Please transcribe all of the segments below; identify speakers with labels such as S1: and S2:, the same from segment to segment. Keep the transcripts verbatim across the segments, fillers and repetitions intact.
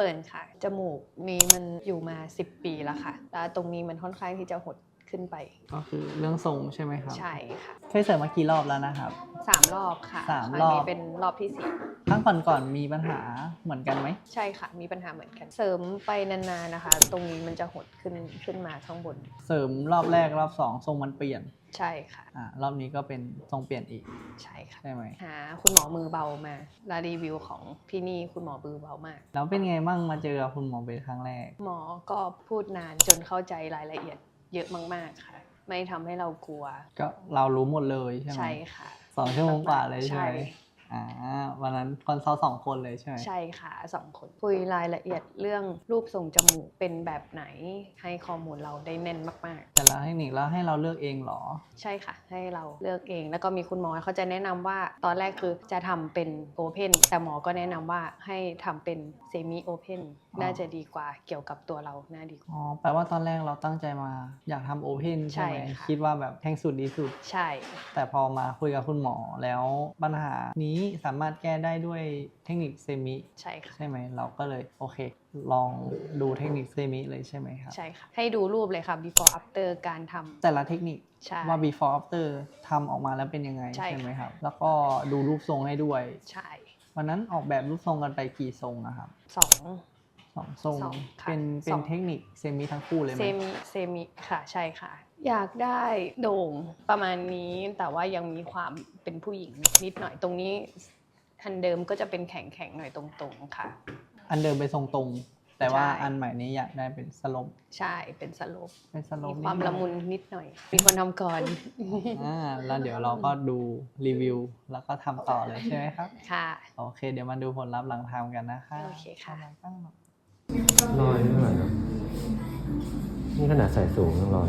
S1: ฟิร์นค่ะจมูกนี้มันอยู่มาสิบปีแล้วค่ะแล้วตรงนี้มันค่อนข้างที่จะหดขึ้นไป
S2: ก็คือเรื่องทรงใช่ไหมครับ
S1: ใช่ค่ะ
S2: เคยเสริมมากี่รอบแล้วนะครับ
S1: สามรอบค่ะ
S2: สามรอบ
S1: นี้เป็นรอบที่สี่
S2: ครั้งก่อนๆมีปัญหาเหมือนกันไหม
S1: ใช่ค่ะมีปัญหาเหมือนกันเสริมไปนานๆนะคะตรงนี้มันจะหดขึ้นขึ้นมาข้างบน
S2: เสริมรอบแรกรอบสองทรงมันเปลี่ยน
S1: ใช่ค่ะ
S2: อ่ารอบนี้ก็เป็นทรงเปลี่ยนอีก
S1: ใช่ค่ะ
S2: ใช่ไหม
S1: หาคุณหมอมือเบามาแล้วรีวิวของที่นี่คุณหมอมือเบามาก
S2: แล้วเป็นไงบ้างมาเจอกับคุณหมอเบสครั้งแรก
S1: หมอก็พูดนานจนเข้าใจรายละเอียดเยอะมากๆค่ะไม่ทำให้เรากลัว
S2: ก็เรารู้หมดเลยใช่ไหม
S1: ใช่ค่ะ
S2: สองชั่วโมงกว่าเลยใช่ไหม
S1: ใช่
S2: อ่าวันนั้นคอนซัลท์สองคนเลยใช่ไหม
S1: ใช่ค่ะสองคนคุยรายละเอียดเรื่องรูปทรงจมูกเป็นแบบไหนให้ข้อมูลเราได้แน่นมากๆ
S2: แต่ละเทคนิคแล้วให้เราเลือกเองเหรอ
S1: ใช่ค่ะให้เราเลือกเองแล้วก็มีคุณหมอเขาจะแนะนำว่าตอนแรกคือจะทำเป็นโอเพนแต่หมอก็แนะนำว่าให้ทำเป็นเซมิโอเพนน่าจะดีกว่าเกี่ยวกับตัวเราน่าดีกว่า
S2: อ๋อแปลว่าตอนแรกเราตั้งใจมาอยากทำโอเพนใช่ไหมคิดว่าแบบแทงสุดดีสุด
S1: ใช่
S2: แต่พอมาคุยกับคุณหมอแล้วปัญหานี้สามารถแก้ได้ด้วยเทคนิคเซมิ
S1: ใช่ค่ะ
S2: ใช่ไหมเราก็เลยโอเคลองดูเทคนิคเซมิเลยใช่ไหมครับ
S1: ใช่ค่ะให้ดูรูปเลยค่ะ before after การทำ
S2: แต่ละเทคนิคว่า before after ทำออกมาแล้วเป็นยังไงใช่ไหมครับแล้วก็ดูรูปทรงให้ด้วย
S1: ใช่
S2: วันนั้นออกแบบรูปทรงกันไปกี่ทรงนะครับ
S1: สอง
S2: สองทรงเป็นเป็นเทคนิคเซมิทั้งคู่เลยไหม
S1: เซมิเซมิค่ะใช่ค่ะอยากได้โด่งประมาณนี้แต่ว่ายังมีความเป็นผู้หญิงนิดหน่อยตรงนี้อันเดิมก็จะเป็นแข็งแข็งหน่อยตรงๆค่ะ
S2: อันเดิมเป็นทรงตรงแต่ว่าอันใหม่นี้อยากได้เป็นสโลป
S1: ใช่เป็นสโลป
S2: เป็นสโลป
S1: มีความละมุนนิดหน่อยมีคนทำก่อน
S2: อ่าแล้วเดี๋ยวเราก็ดูรีวิวแล้วก็ทำต่อเลยใช่ไหมครับ
S1: ค่ะ
S2: โอเคเดี๋ยวมาดูผลลัพธ์หลังทำกันนะคะ
S1: โอเคค่ะ
S3: ลอยไม่เท่าไหร่นะนี่ขนาดใส่สูงยังลอย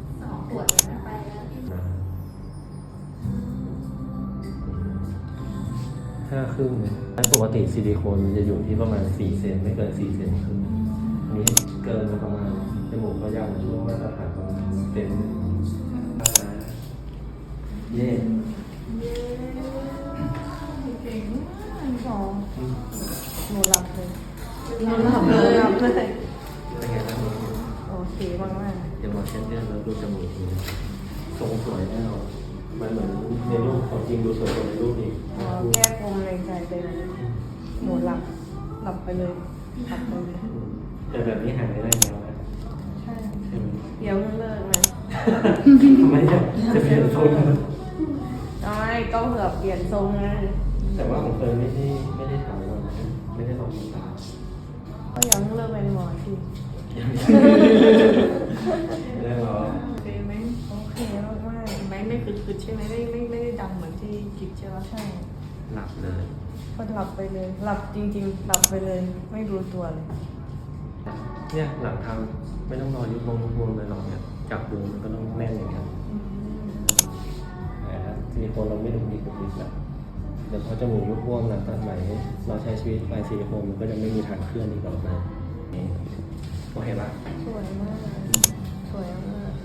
S3: ห้าครึ่งเลยปกติซิลิโคนมันจะอยู่ที่ประมาณสี่เซนไม่เกินสี่เซนครึ่งอันนี้เกินมาประมาณจมูกก็ยาวช่วงมาตรฐานประมาณเซนเย่
S4: เก่งมากสองหนูหลับเลยหนูหลับเลยหลับเลย
S3: เป็นไงบ้าง
S4: โอเคมากมาก
S3: เดี๋ยวมาเช็ดเลือดแล้วดูจมูกดูทรงสวยแน่นอนมันเหมือนในรูปของจริงดูสวยกว่าในรูปอีก
S4: แก้ปมในใจไปเลยหนูหลับหลับไปเลยหลับไปเลย
S3: แต่แบบนี้หายไม่ได้แล้วนะ
S4: ใช่
S3: ใช่ไหม
S4: เดี๋ยวเลิกนะ
S3: ทำไมจะจะเปลี่ยนทรง
S4: ใช่ก็เผื่อเปลี่ยนทรงไง
S3: แต่ว่าผมเคยไม่ได้ไม่ได้ถามว่าไม่ได้ลองตา
S4: ก็ยังเลิกเป็นหมอที่
S3: เรื่องหรอ
S4: โอเคไหมโอเคมากมากไม่ไม่คือคือใช่ไหมไม่ไม่ไม่ได้ดำเหมือนที่คิดใช่ไหมใช่
S3: หลับเลย
S4: ก็หลับไปเลยหลับจริงๆหลับไปเลยไม่รู้ตัวเลย
S3: เนี่ยหลังทำไม่ต้องรอยุบวงยุบวงเลยหรอกเนี่ยจับดูมันก็ต้องแน่นอย่างเงี้ยนะซิลิโคนเราไม่ดุดิบดุดิบแบบเดี๋ยวพอจมูกยุบวงหลังตัดใหม่เราใช้ชีวิตไปซิลิโคนมันก็จะไม่มีทางเคลื่อนอีกต่อไปโอเคปะ
S4: สวยมากสวยมาก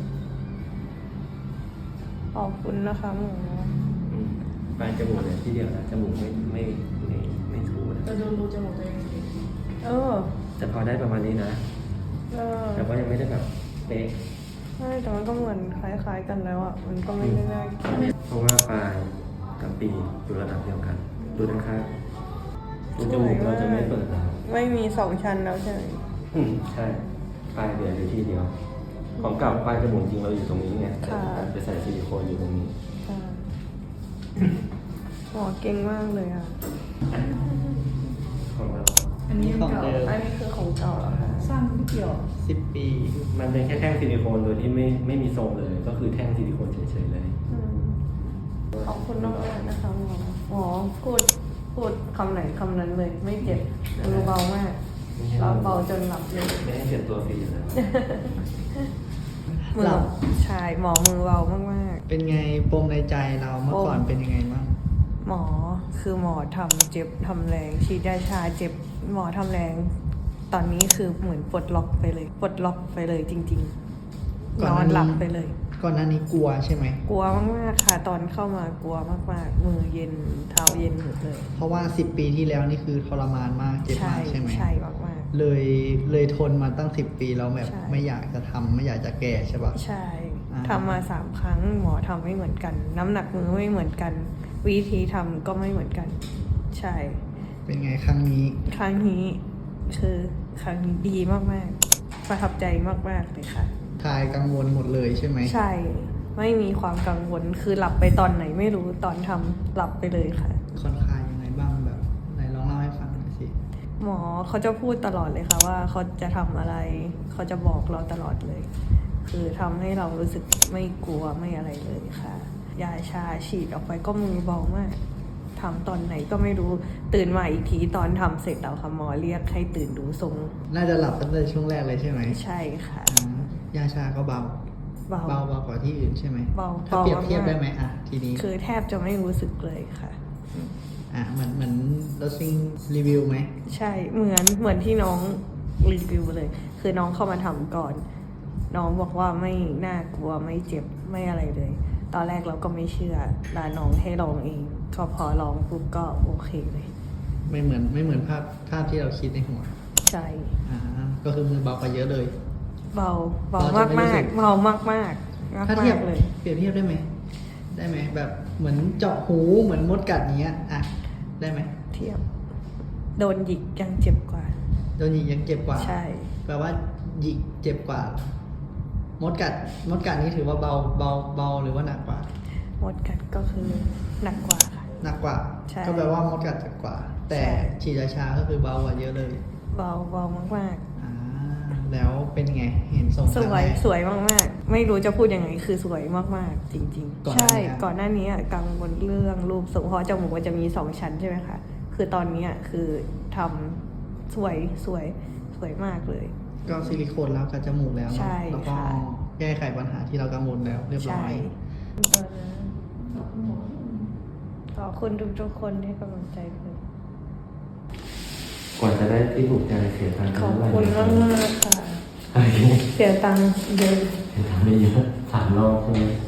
S4: ขอบคุณนะคะหมู
S3: ปลายจมูกเนี่ยที่เดียวนะจมูกไม่ไม่ไม่ไม่ถูนะ
S4: จะดูรูจมูกตัวเองเออ
S3: แต่พอได้ประมาณนี้นะ
S4: เออ
S3: แต่ว่ายังไม่ได้แบบเป๊ะ
S4: ใช่แต่มันก็เหมือนคล้ายๆกันแล้วอ่ะมันก็ไม่ได้น่าเกลียด
S3: เพราะว่าปลายกับปีอยู่ระดับเดียวกันดูนะครับดูจมูกเราจะไม่เปิดแล้ว
S4: ไม่มีสองชั้นแล้วใช่ไหม
S3: อืมใช่ปลายเดียวอยู่ที่เดียวของเก่าปลายจมูกจริงเราอยู่ตรงนี้ไงแต่ไปใส่ซิลิโคนอยู่ตรงนี้
S4: หมอเก่งมากเลยอ่ะ
S3: ของเรา
S4: อันนี้ของเก่าอันนี้คือของเก่าเหรอคะสร้างไม่เกี่ยว
S2: สิบปี
S3: มันเป็นแค่แท่งซิลิโคนโดยที่ไม่ไม่มีทรงเลยก็คือแท่งซิลิโคนเฉยๆเลย
S4: ขอบคุณมากนะคะหมอหมอพูดพูดคำไหนคำนั้นเลยไม่เจ็บมือเบามากเราเบาจนหลับเลย
S3: ไม่ให้เจ็บตัวฟรีเลย
S4: มือใช่หมอมือเบามาก
S2: ๆเป็นไงปมในใจเราเมื่อก่อนเป็นยังไงบ้าง
S4: หมอคือหมอทำเจ็บทำแรงฉีดยาชาเจ็บหมอทำแรงตอนนี้คือเหมือนปลดล็อกไปเลยปลดล็อกไปเลยจริงๆนอนหลับไปเลย
S2: ก่อนหน้านี้กลัวใช่ไหม
S4: กลัวมากๆค่ะตอนเข้ามากลัวมากๆมือเย็นเท้าเย็นหมดเลย
S2: เพราะว่าสิบปีที่แล้วนี่คือทรมานมากเจ็บมากใช่ไหม
S4: ใช่มาก
S2: เลยเลยทนมาตั้งสิบปีแล้วแบบ
S4: ใช่
S2: ไม่อยากจะทำไม่อยากจะแก่ใช่ปะ
S4: ใช่
S2: อ่า
S4: ทำมาสามครั้งหมอทำไม่เหมือนกัน น้ำหนักมือไม่เหมือนกัน วิธีทำก็ไม่เหมือนกัน ใช่
S2: เป็นไงครั้งนี้
S4: ครั้งนี้คือครั้งนี้ดีมากๆ ประทับใจมากๆเลยค่ะ
S2: ทายกังวลหมดเลยใช่ไหม
S4: ใช่ ไม่มีความกังวล คือหลับไปตอนไหนไม่รู้ตอนทำหลับไปเลยค่ะ
S2: ค่อนข้างยังไงบ้างแบบไหนลองเล่าให้ฟังหน่อยสิ
S4: หมอเขาจะพูดตลอดเลยค่ะว่าเขาจะทำอะไร เขาจะบอกเราตลอดเลย คือทำให้เรารู้สึกไม่กลัวไม่อะไรเลยค่ะ ยาชาฉีดออกไปก็มือเบามากทำตอนไหนก็ไม่รู้ ตื่นมาอีกทีตอนทำเสร็จแล้วค่ะหมอเรียกให้ตื่นดูทรง
S2: น่าจะหลับตั้งแต่ช่วงแรกเลยใช่ไหม
S4: ใช่ค่ะ
S2: อ่ายาชาก็เบา
S4: เบา
S2: เบาเบากว่าที่อื่นใช่ไหม
S4: เบา
S2: ถ้าเปรียบ
S4: เบามาก
S2: เทียบได้ไหมอ่ะทีนี้
S4: คือแทบจะไม่รู้สึกเลยค่ะ
S2: อ่ะเหมือนเหมือนรถซิงรีวิวไหม
S4: ใช่ เหมือนเหมือนที่น้องรีวิวเลย คือน้องเข้ามาทำก่อน น้องบอกว่าไม่น่ากลัวไม่เจ็บไม่อะไรเลย ตอนแรกเราก็ไม่เชื่อลาน้องให้ลองเองก็พอลองปุ๊บก็โอเคเลย
S2: ไม่เหมือนไม่เหมือนภาพภาพที่เราคิดในหัว
S4: ใช่
S2: อ่าก็คือมือเบากว่าเยอะเลย
S4: เบาเบา
S2: เรา
S4: มาก
S2: จะไม่รู้
S4: มา
S2: สึ
S4: ก
S2: ก
S4: เบามากมากมาก
S2: ถ้า
S4: มา
S2: เทียบ
S4: กเลย
S2: เปรียบเทียบได้ไหมได้ไหมแบบเหมือนเจาะหูเหมือนมดกัดอย่างเงี้ยอ่ะได้ไหม
S4: เทียบ โดนหยิกยังเจ็บกว่า
S2: โดนหยิกยังเจ็บกว่า
S4: ใช่
S2: แปลว่าหยิกเจ็บกว่า มดกัดมดกัดนี่ถือว่าเบาเบาเบาหรือว่าหนักกว่า
S4: หมดกัดก็คือหนักกว่าค่ะ
S2: หนักกว่า
S4: ใช่
S2: ก็แปลว่ามดกัดเจ็บกว่า แต่
S4: ใช่
S2: ฉีดยาชาก็คือเบากว่าเยอะเลย
S4: เบาเบามากมาก
S2: อ่าแล้วเป็นไงเห็นทรง
S4: ๆสวย
S2: ครั้งแรก
S4: สวยมากๆ ไม่รู้จะพูดยังไงคือสวยมากๆ จริง
S2: ก่อน
S4: ๆ
S2: หน้า
S4: ใช่
S2: นี้อะ
S4: ก่อนหน้านี้อะกังวลเรื่องรูปทรงเพราะจมูกมันจะมีสองชั้นใช่ไหมคะคือตอนนี้อะคือทำสวยสวยสวยมากเลย
S2: ก็ซิลิโคนแล้วกับจมูกแล้วเนอะ
S4: ใช่
S2: แล้วก็
S4: ค่ะ
S2: แก้ไขปัญหาที่เรากังวลแล้วเรียบร้
S4: ใช่
S2: อย
S4: ขอบคุณทุกๆคนให้กำลังใจเลย
S3: กว่าจะได้ที่ถูกใจเสียตังค์
S4: ขอบ
S3: เท่าไหร่
S4: คุณ
S3: นะ
S4: มากๆค่ะ
S3: โอเค
S4: เสียตังค์เยอะ
S3: เสียตังค์ไม่เยอะสามรอบใช่ไหม